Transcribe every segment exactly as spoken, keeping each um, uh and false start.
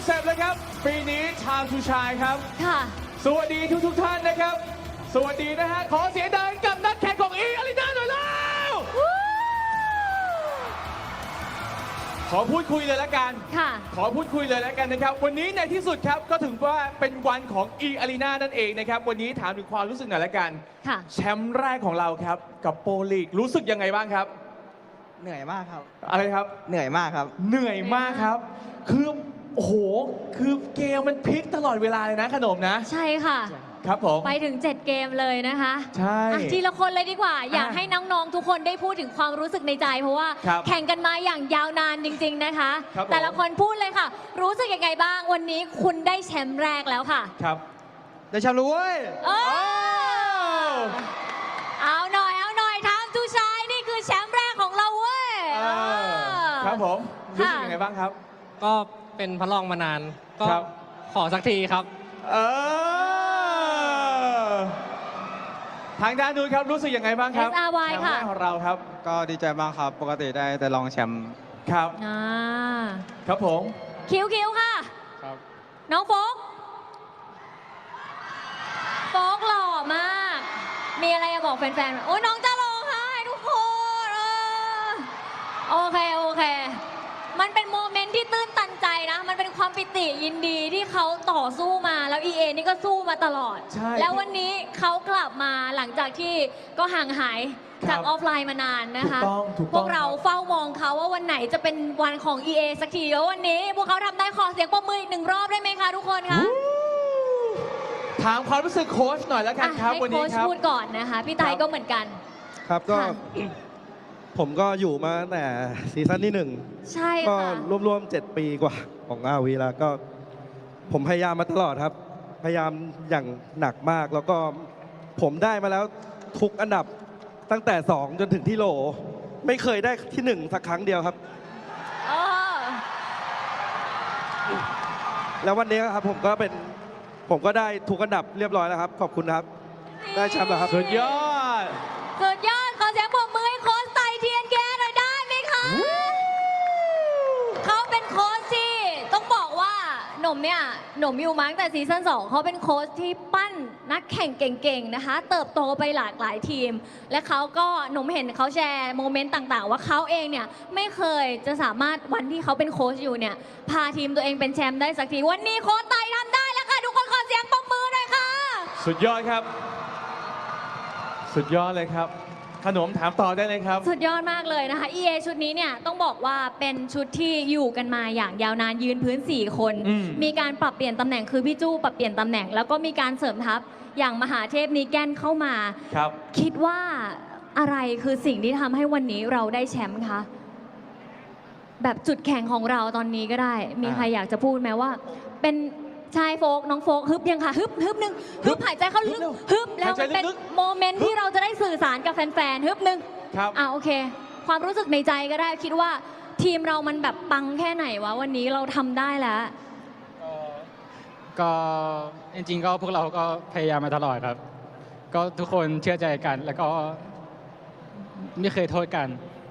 อนเซปต์เลยครับปีนี้ Time to Shine ครับค่ะสวัสดีทุกทุกๆท่านนะครับ สวัสดีนะฮะ ขอเสียงดังกับนักแข่งของอีอารีนาหน่อยแล้วขอพูดคุยเลยละกันค่ะขอพูดคุยเลยแล้วกันนะครับ วันนี้ในที่สุดครับก็ถึงว่าเป็นวันของ e a r e n a นั่นเองนะครับ วันนี้ถามถึงความรู้สึกหน่อยละกันค่ะแชมป์แรกของเราครับ กับโปรลีกรู้สึกยังไงบ้างครับเหนื่อยมากครับอะไรครับเหนื่อยมากครับเหนื่อยมากครับ คือโอ้โห คือเกมมันพลิกตลอดเวลาเลยนะขนมนะใช่ค่ะครับผมไปถึงเจ็ดเกมเลยนะคะใช่อ่ะทีละคนเลยดีกว่า อยากอ่ะให้น้องๆทุกคนได้พูดถึงความรู้สึกในใจ เพราะว่าครับแข่งกันมาอย่างยาวนานจริง ๆนะคะครับผมแต่ละคนพูดเลยค่ะ รู้สึกยังไงบ้างวันนี้คุณได้แชมป์แรกแล้วค่ะครับได้แชมป์รู้เว้ยเอโอ้อเอาหน่อยเอาหน่อยทางทูชายนี่คือแชมป์แรกของเราเว้ยเออครับผม รู้สึกยังไงบ้างครับก็เป็นพระรองมานาน ก็ครับขอสักทีครับเออ ทางด้านนู้นครับรู้สึกยังไงบ้างครับเอส อาร์ วายแชมป์ค่ะแรกของเราครับก็ดีใจมากครับ ปกติได้แต่รองแชมป์ครับอ่าครับผมคิวคิวค่ะครับน้องโฟกโฟกหล่อมาก มีอะไรจะบอกแฟนๆไหมโอ้ยน้องจะร้องไห้ทุกคนเออโอเค โอเค มันเป็นโมเมนต์ที่ตื้นตันใจนะ มันเป็นความปิติยินดีที่เขาต่อสู้มา แล้ว อี เอ นี่ก็สู้มาตลอดใช่แล้ววันนี้เขากลับมาหลังจากที่ก็ห่างหายครัจากบออฟไลน์มานานนะคะถูกต้องถูกต้องพวกเราเฝ้ามองเขาว่าวันไหนจะเป็นวันของ อี เอ สักทีแล้ววันนี้ พวกเขาทำได้ขอเสียงปรบมืออีกหนึ่งรอบได้ไหมคะทุกคนคะถามความรู้สึกโค้ชหน่อยแล้วกันอ่ะครับให้วันโค้นี้ชครับพูดก่อนนะคะ พี่ไตครับก็เหมือนกันครับก็ค่ะผมก็อยู่มาตั้งแต่ซีซั่นที่หนึ่งใช่ก็ค่ะรวมๆเจ็ดปีกว่าของอาวีแล้วก็ผมพยายามมาตลอดครับ พยายามอย่างหนักมาก แล้วก็ผมได้มาแล้วทุกอันดับตั้งแต่สองจนถึงที่โหล ไม่เคยได้ที่หนึ่งสักครั้งเดียวครับเออแล้ววันนี้ครับผมก็เป็นผมก็ได้ทุกอันดับเรียบร้อยแล้วครับ ขอบคุณครับ ได้แชมป์แล้วครับสุดยอดสุดยอด ขอเสียงปรบมือให้โค้ชไตเทียนแกหน่อยได้ไหมคะ เขาเป็นโค้ชที่ต้องบอกว่าหนุ่มเนี่ยหนุ่มอยู่มาตั้งแต่ซีซั่นสองเขาเป็นโค้ชที่ปั้นนักแข่งเก่งๆนะคะ เติบโตไปหลากหลายทีม และเขาก็หนุ่มเห็นเขาแชร์โมเมนต์ต่างๆ ว่าเขาเองเนี่ยไม่เคยจะสามารถวันที่เขาเป็นโค้ชอยู่เนี่ยพาทีมตัวเองเป็นแชมป์ได้สักที วันนี้โค้ชไตทำได้แล้วค่ะทุกคนขอเสียงปรบมือหน่อยค่ะสุดยอดครับ สุดยอดเลยครับ ขนมถามต่อได้เลยครับสุดยอดมากเลยนะคะ อี เอ ชุดนี้เนี่ยต้องบอกว่าเป็นชุดที่อยู่กันมาอย่างยาวนานยืนพื้น สี่ คนอืมมีการปรับเปลี่ยนตำแหน่งคือพี่จู้ปรับเปลี่ยนตำแหน่ง แล้วก็มีการเสริมทัพอย่างมหาเทพนีแกนเข้ามาครับคิดว่าอะไรคือสิ่งที่ทำให้วันนี้เราได้แชมป์คะ แบบจุดแข็งของเราตอนนี้ก็ได้ มีใครอยากจะพูดไหมว่า เป็นชายโฟกน้องโฟกฮึบยังค่ะฮึบฮึบหนึ่งฮึบหายใจเข้าลึกฮึบแล้วมันเป็นหายใจลึกๆโมเมนต์ที่เราจะได้สื่อสารกับแฟนๆฮึบหนึ่งครับอ่าโอเค ความรู้สึกในใจก็ได้คิดว่าทีมเรามันแบบปังแค่ไหนวะวันนี้เราทำได้แล้วก็จริงๆก็พวกเราก็พยายามมาตลอดครับ ก็ทุกคนเชื่อใจกัน แล้วก็ไม่เคยโทษกัน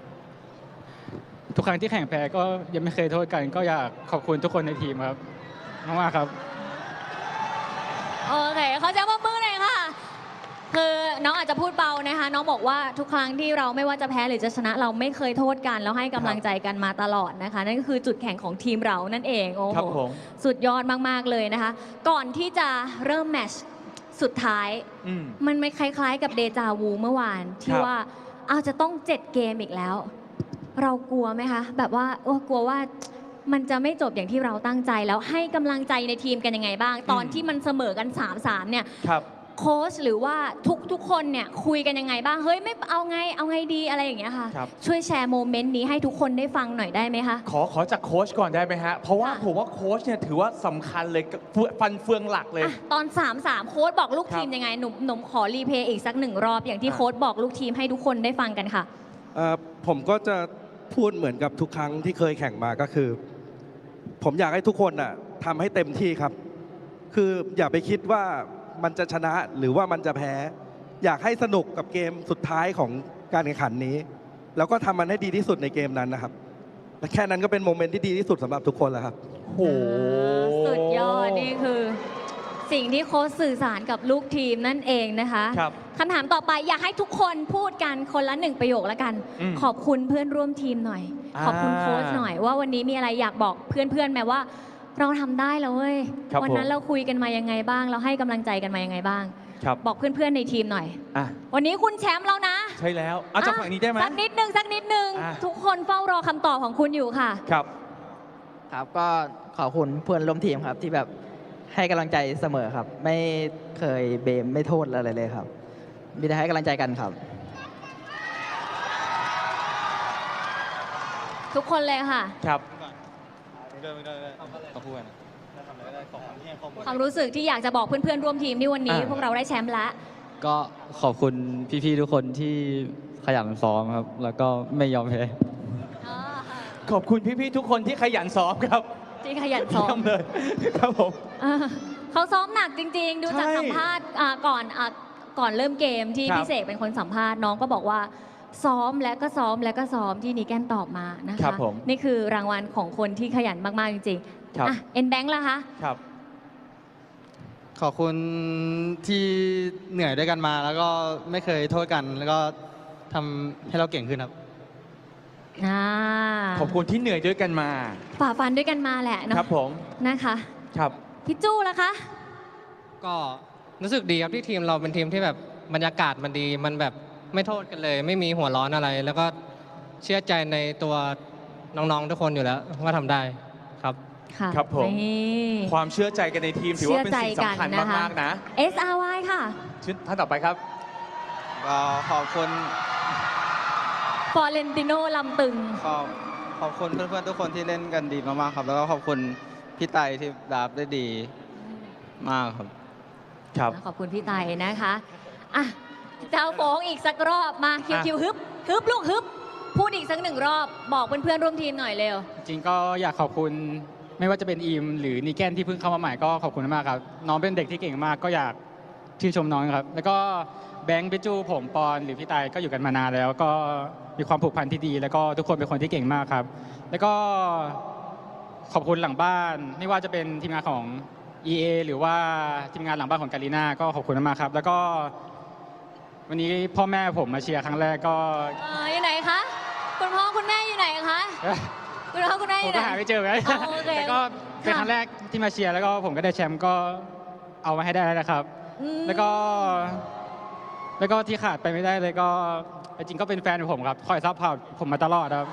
ทุกครั้งที่แข่งแพ้ก็ยังไม่เคยโทษกัน ก็อยากขอบคุณทุกคนในทีมครับมากๆครับโอเคเขาจะมามือหน่อยค่ะ คือน้องอาจจะพูดเบานะคะ น้องบอกว่าทุกครั้งที่เราไม่ว่าจะแพ้หรือจะชนะเราไม่เคยโทษกันแล้วให้กำลังใจกันมาตลอดนะคะ นั่นก็คือจุดแข็งของทีมเรานั่นเองโอ้ครัโหบผมสุดยอดมากๆเลยนะคะ ก่อนที่จะเริ่มแมตช์สุดท้ายอืมมันไม่คล้ายๆกับเดจาวูเมื่อวานที่ครับว่าเอาจะต้องเจ็ดเกมอีกแล้ว เรากลัวไหมคะ แบบว่าโอ้กลัวว่ามันจะไม่จบอย่างที่เราตั้งใจแล้วให้กำลังใจในทีมกันยังไงบ้าง ตอนที่มันเสมอกัน สามสาม เนี่ยครับโค้ชหรือว่าทุกทุกคนเนี่ยคุยกันยังไงบ้าง เฮ้ยไม่เอาไงเอาไงดีอะไรอย่างเงี้ยค่ะครับช่วยแชร์โมเมนต์นี้ให้ทุกคนได้ฟังหน่อยได้ไหมคะขอขอจากโค้ชก่อนได้ไหมฮะ เพราะว่าค่ะผมว่าโค้ชเนี่ยถือว่าสำคัญเลยกับเฟืองฟันเฟืองหลักเลยอ่ะตอน สามสาม โค้ชบอกลูกทีมครับยังไงหนุ่มหนุ่มขอรีเพลย์อีกสักหนึ่งรอบอย่างที่อ่ะโค้ชบอกลูกทีมให้ทุกคนได้ฟังกันค่ะเอ่อผมก็จะพูดเหมือนกับทุกครั้งที่เคยแข่งมาก็คือ ผมอยากให้ทุกคนน่ะทำให้เต็มที่ครับ คืออย่าไปคิดว่ามันจะชนะหรือว่ามันจะแพ้ อยากให้สนุกกับเกมสุดท้ายของการแข่งขันนี้ แล้วก็ทำมันให้ดีที่สุดในเกมนั้นนะครับและแค่นั้นก็เป็นโมเมนต์ที่ดีที่สุดสำหรับทุกคนแล้วครับโหสุดยอด นี่คือสิ่งที่โค้ชสื่อสารกับลูกทีมนั่นเองนะคะครับคำถามต่อไปอยากให้ทุกคนพูดกันคนละหนึ่งประโยคแล้วกันอืมขอบคุณเพื่อนร่วมทีมหน่อยอ่าขอบคุณโค้ชหน่อยว่าวันนี้มีอะไรอยากบอกเพื่อนๆไหมว่า เราทำได้แล้วเว้ยครับวันั้นผมเราคุยกันมายังไงบ้าง เราให้กำลังใจกันมายังไงบ้างครับบอกเพื่อนๆในทีมหน่อยอ่ะวันนี้คุณแชมป์แล้วนะใช่แล้วเอาจากฝั่งนี้ได้ไหมสักนิดนึงสักนิดนึงอ่ะทุกคนเฝ้ารอคำตอบของคุณอยู่ค่ะครับครับก็ขอบคุณเพื่อนร่วมทีมครับ ที่แบบให้กำลังใจเสมอครับ ไม่เคยเบมไม่โทษอะไรเลยครับ มีแต่ให้กำลังใจกันครับทุกคนเลยค่ะครับความรู้สึกที่อยากจะบอกเพื่อนๆร่วมทีมที่วันนี้อ่าพวกเราได้แชมป์แล้วก็ขอบคุณพี่ๆทุกคนที่ขยันซ้อมครับ แล้วก็ไม่ยอมแพ้ขอบคุณพี่ๆทุกคนที่ขยันซ้อมครับที่ขยันซ้อเยี่มยมเลย ครับผมอ่าเขาซ้อมหนักจริง ๆ ดูจากใช่สัมภาษณ์อ่าก่อนอ่าก่อนเริ่มเกมที่ครับพี่เสกเป็นคนสัมภาษณ์น้องก็บอกว่า ซ้อมและก็ซ้อมและก็ซ้อมที่นีแกนตอบมานะครัคะบผมนี่คือรางวัลของคนที่ขยันมากๆจริงครับๆอ่ะเอ็นแบงค์ล่ะคะครับขอบคุณที่เหนื่อยด้วยกันมา แล้วก็ไม่เคยโทษกัน แล้วก็ทำให้เราเก่งขึ้นครับอ่าขอบคุณที่เหนื่อยด้วยกันมาฝ่าฟันด้วยกันมาแหละเนาะครับผมนะคะครับพี่จู้ล่ะคะก็รู้สึกดีครับที่ทีมเราเป็นทีมที่แบบบรรยากาศมันดี มันแบบไม่โทษกันเลย ไม่มีหัวร้อนอะไร แล้วก็เชื่อใจในตัวน้องๆทุกคนอยู่แล้วว่าทำได้ครับค่ะครับผมนี่ความเชื่อใจกันในทีมถือว่าเป็นสิ่งสำคัญเชื่อใจกันนะคะมากๆนะเอส อาร์ วาย ค่ะชิ้นท่านต่อไปครับก็ขอบคุณฟอร์เรนติโนลำตึงขอบขอบคุณเพื่อนๆทุกคนที่เล่นกันดีมากๆครับ แล้วก็ขอบคุณพี่ไตที่ดับได้ดีมากครับครับขอบคุณพี่ไตนะคะอ่ะเจ้าโฟงอีกสักรอบมาคิวอ่ะคิวฮึบฮึบลูกฮึบ พูดอีกสักหนึ่งรอบ บอกเพื่อนๆร่วมทีมหน่อยเร็วจริงๆก็อยากขอบคุณไม่ว่าจะเป็นอีมหรือนีแกนที่เพิ่งเข้ามาใหม่ก็ขอบคุณมากครับ น้องเป็นเด็กที่เก่งมากก็อยากชื่นชมน้องครับ แล้วก็แบงค์ปิจูผมปอนหรือพี่ไตก็อยู่กันมานานแล้ว ก็มีความผูกพันที่ดี แล้วก็ทุกคนเป็นคนที่เก่งมากครับ แล้วก็ขอบคุณหลังบ้าน ไม่ว่าจะเป็นทีมงานของ อี เอ หรือว่าทีมงานหลังบ้านของกาลิน่าก็ขอบคุณมากครับ แล้วก็ วันนี้พ่อแม่ผมมาเชียร์ครั้งแรกก็เอ่ออยู่ไหนคะ คุณพ่อคุณแม่อยู่ไหนคะ คุณพ่อคุณแม่อผมยู่ไหนก็หาไม่เจอไงอ๋อโอเคแต่ก็เป็นค่ะครั้งแรกที่มาเชียร์แล้วก็ผมก็ได้แชมป์ก็เอามาให้ได้แล้วนะครับอืมแล้วก็ แล้วก็ที่ขาดไปไม่ได้เลยก็จริงๆก็เป็นแฟนของผมครับคอยซัพพอร์ตผมมาตลอดครับ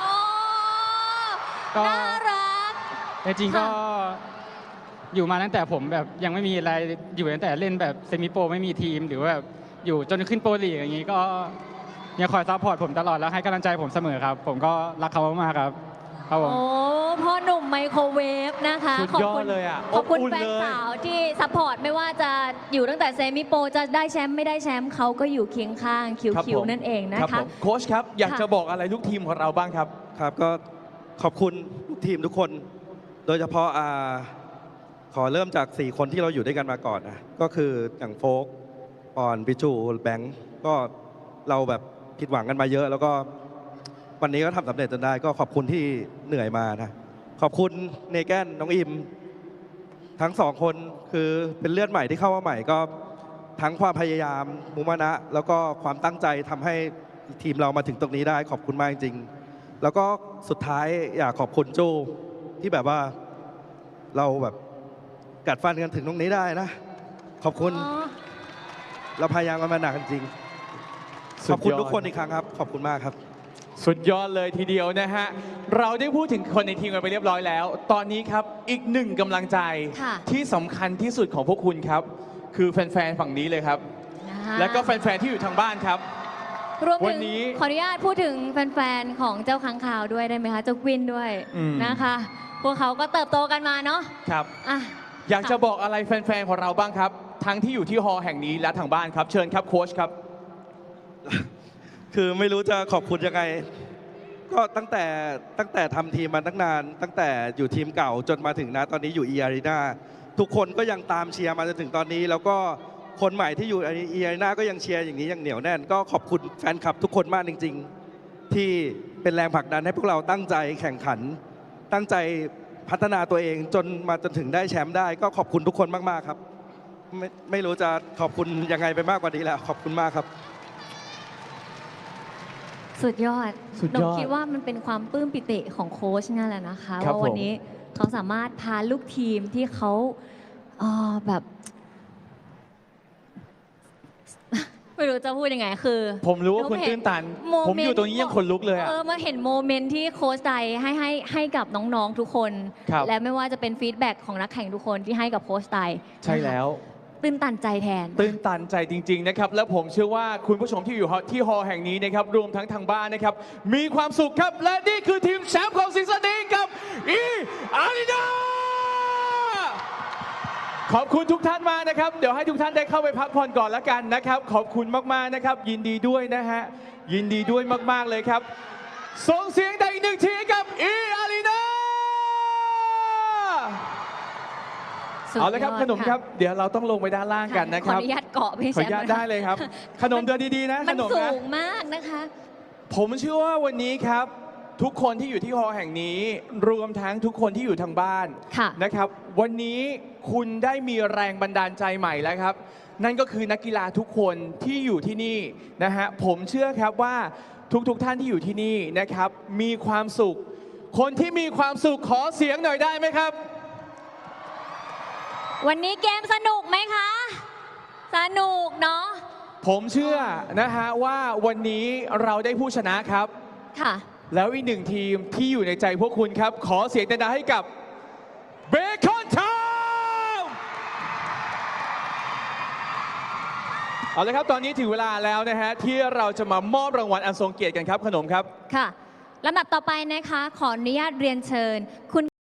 โอ้ก็น่ารักจริงๆก็ค่ะอยู่มาตั้งแต่ผมแบบยังไม่มีอะไรอยู่ตั้งแต่เล่นแบบเซมิโปรไม่มีทีม หรือว่าแบบอยู่จนขึ้นโปรลีกอย่างนี้ก็ยังคอยซัพพอร์ตผมตลอดแล้วให้กำลังใจผมเสมอครับ ผมก็รักเขามากๆครับครับผมโอ้พ่อหนุ่มไมโครเวฟนะคะสุดขอบยอคุดณเลยอ่ะขอบคุณอุ่นแฟนเลยสาวที่ซัพพอร์ตไม่ว่าจะอยู่ตั้งแต่เซมิโปรจะได้แชมป์ไม่ได้แชมป์เขาก็อยู่เคียงข้างคิวครับคิวผมนั่นเองนะครับ คะผมโค้ชครับ อยากค่ะจะบอกอะไรลูกทีมของเราบ้างครับครับก็ขอบคุณลูกทีมทุกคน โดยเฉพาะอ่าขอเริ่มจาก สี่ คนที่เราอยู่ด้วยกันมาก่อนนะก็คืออย่างโฟกปอนปิจูแบงก์ก็เราแบบผิดหวังกันมาเยอะ แล้วก็วันนี้ก็ทำสำเร็จจนได้ ก็ขอบคุณที่เหนื่อยมานะขอบคุณเนแกนน้องอิม ทั้งสองคนคือเป็นเลือดใหม่ที่เข้ามาใหม่ก็ทั้งความพยายามมุมานะ แล้วก็ความตั้งใจทำให้ทีมเรามาถึงตรงนี้ได้ขอบคุณมากจริงๆแล้วก็สุดท้ายอยากขอบคุณโจที่แบบว่าเราแบบกัดฟันกันถึงตรงนี้ได้นะ ขอบคุณอ๋อเราพยายามกันมาหนักจริงสุขดอบคุณยอดทุกคนอีกครั้งครับ ขอบคุณมากครับสุดยอดเลยทีเดียวนะฮะ เราได้พูดถึงคนในทีมกันไปเรียบร้อยแล้ว ตอนนี้ครับอีกหนึ่งกำลังใจค่ะที่สำคัญที่สุดของพวกคุณครับ คือแฟนๆฝั่งนี้เลยครับนะคะแล้วก็แฟนๆที่อยู่ทางบ้านครับรวมวัถึนงนี้ขออนุญาตพูดถึงแฟนๆของเจ้าค้างคาวด้วยได้ไหมคะ เจ้ากวินด้วยอืมนะคะ พวกเขาก็เติบโตกันมาเนาะครับอ่ะอยากจะบอกอะไรแฟนๆของเราบ้างครับ ทั้งที่อยู่ที่ฮอลล์แห่งนี้และทางบ้านครับ เชิญครับโค้ชครับคือไม่รู้จะขอบคุณยังไง ก็ตั้งแต่ตั้งแต่ทำทีมมาตั้งนาน ตั้งแต่อยู่ทีมเก่าจนมาถึงนะตอนนี้อยู่ e ีอารีนาทุกคนก็ยังตามเชียร์มาจนถึงตอนนี้ แล้วก็คนใหม่ที่อยู่ e ีอารีนาก็ยังเชียร์อย่างนี้อย่างเหนียวแน่น ก็ขอบคุณแฟนคลับทุกคนมากจริง ๆ ที่เป็นแรงผลักดันให้พวกเราตั้งใจแข่งขัน ตั้งใจพัฒนาตัวเองจนมาจนถึงได้แชมป์ได้ ก็ขอบคุณทุกคนมากๆครับ ไม่ไม่รู้จะขอบคุณยังไงไปมากกว่านี้แล้วขอบคุณมากครับสุดยอดสุดหนยมอดคิดว่ามันเป็นความปลื้มปิติของโค้ชนั่นแหละนะคะครับว่าวันผมนี้เขาสามารถพาลูกทีมที่เขาเอ่อแบบ ไม่รู้จะพูดยังไงคือผมรู้ว่าคุณหเห็ตื้นตันโมผมอยู่ตรงนี้ยังขนลุกเลยอะเออมาเห็นโมเมนต์ที่โค้ชใดให้ให้ให้กับน้องๆทุกคนครับและไม่ว่าจะเป็นฟีดแบ็กของนักแข่งทุกคนที่ให้กับโค้ชใดใช่แล้วตื้นตันใจแทนตื้นตันใจจริง ๆ นะครับ และผมเชื่อว่าคุณผู้ชมที่อยู่ที่ฮอลล์แห่งนี้นะครับ รวมทั้งทางบ้านนะครับ มีความสุขครับ และนี่คือทีมแชมป์ของซีซั่นนี้กับอีอารีนาขอบคุณทุกท่านมากนะครับ เดี๋ยวให้ทุกท่านได้เข้าไปพักผ่อนก่อนแล้วกันนะครับ ขอบคุณมากๆนะครับ ยินดีด้วยนะฮะ ยินดีด้วยมากๆเลยครับ ส่งเสียงได้อีกหนึ่งทีกับอีอารีนาสุดเอาละครับยดขนมครับ เดี๋ยวเราต้องลงไปด้านล่างกันนะคขอรับอนุญาตเกาะพี่ขอแชอนุญาตมป์ได้เลยครับ ขนมเดินดีๆนะมัขนนมสูนะงมากนะคะผมเชื่อว่าวันนี้ครับ ทุกคนที่อยู่ที่ฮอลล์แห่งนี้ รวมทั้งทุกคนที่อยู่ทางบ้านค่ะนะครับ วันนี้คุณได้มีแรงบันดาลใจใหม่แล้วครับ นั่นก็คือนักกีฬาทุกคนที่อยู่ที่นี่นะฮะผมเชื่อครับว่าทุกๆท่านที่อยู่ที่นี่นะครับ มีความสุข คนที่มีความสุขขอเสียงหน่อยได้ไหมครับวันนี้เกมสนุกไหมคะ สนุกเนาะผมเชื่อนะฮะว่าวันนี้เราได้ผู้ชนะครับค่ะแล้วอีกหนึ่งทีมที่อยู่ในใจพวกคุณครับ ขอเสียงดังๆให้กับเบคอนทาวเอาละครับตอนนี้ถึงเวลาแล้วนะฮะที่เราจะมามอบรางวัลอันทรงเกียรติกันครับขนมครับค่ะลำดับต่อไปนะคะ ขออนุญาตเรียนเชิญคุณ